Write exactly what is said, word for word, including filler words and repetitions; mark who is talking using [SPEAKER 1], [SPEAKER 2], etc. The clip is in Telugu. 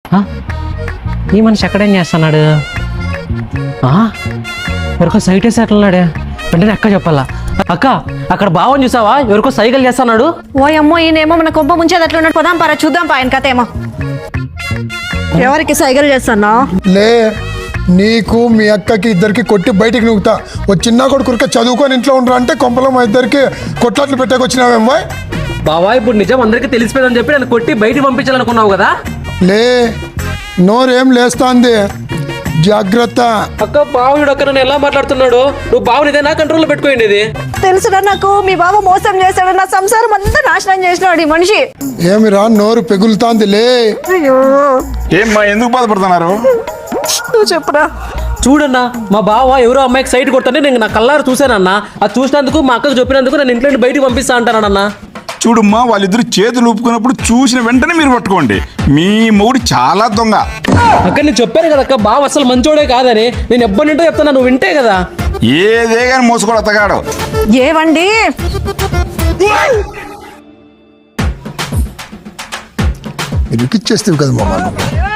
[SPEAKER 1] ఈ మనిషి ఎక్కడేం చేస్తున్నాడు? ఎవరికో సైట్ వేసి అట్లున్నాడే. వెంటనే అక్క చెప్పాలా, అక్క అక్కడ బావని చూసావా, ఎవరికో సైకిల్ చేస్తున్నాడు.
[SPEAKER 2] ఓ అమ్మో, ఈయనేమో మన కొంప ముంచేది అట్లున్నాడు. పోదాం పారా, చూద్దాం పా ఆయన కథ ఏమో. ఎవరికి సైకిల్ చేస్తున్నా?
[SPEAKER 3] లే, నీకు మీ అక్కకి ఇద్దరికి కొట్టి బయటికి నూగుతా. ఓ చిన్న కొడుకురికే చదువుకొని ఇంట్లో ఉండరా అంటే కొంపలో మా ఇద్దరికి కొట్లాట్లు పెట్టాకొచ్చినావేమో.
[SPEAKER 1] బావా ఇప్పుడు నిజం అందరికీ తెలిసిపోయిందని చెప్పి నన్ను కొట్టి బయటికి పంపించాలనుకున్నావు కదా.
[SPEAKER 3] లే, నోరేం లేస్తాంది, జాగ్రత్త.
[SPEAKER 1] అక్క బావుడు అక్క నన్ను ఎలా మాట్లాడుతున్నాడు? నువ్వు బావుని ఇదే నా కంట్రోల్లో పెట్టుకోండి. ఇది
[SPEAKER 2] తెలుసురా నాకు, మీ బావ మోసం చేశాడు, నా సంసారం అంతా నాశనం చేసినాడు ఈ మనిషి.
[SPEAKER 3] ఏమిరా నోరు పెగులుతాంది? లే,
[SPEAKER 4] ఏమ్మా ఎందుకు బాధపడుతున్నారు?
[SPEAKER 2] నువ్వు చెప్పురా.
[SPEAKER 1] చూడన్నా, మా బావ ఎవరో అమ్మాయికి సైట్ కొడతానే నేను నా కళ్ళారు చూశానన్నా. అది చూసినందుకు మా అక్కకు చెప్పినందుకు నన్ను ఇంట్లో నుండి బయటికి పంపిస్తా అంటానన్నా.
[SPEAKER 4] చూడమ్మా, వాళ్ళిద్దరు చేతులు ఊపుకున్నప్పుడు చూసిన వెంటనే మీరు పట్టుకోండి. మీ మొగుడు చాలా దొంగ.
[SPEAKER 1] అక్క నేను చెప్పాను కదా అక్క, బావ అసలు మంచోడే కాదని. నేను ఎప్పటి నుంటో చెప్తాను, నువ్వు వింటే కదా.
[SPEAKER 4] ఏదే కానీ మోసుకోడు అత్తగాడు.
[SPEAKER 2] ఏవండి,
[SPEAKER 3] ఇరికిచ్చేస్తావు కదా మామ.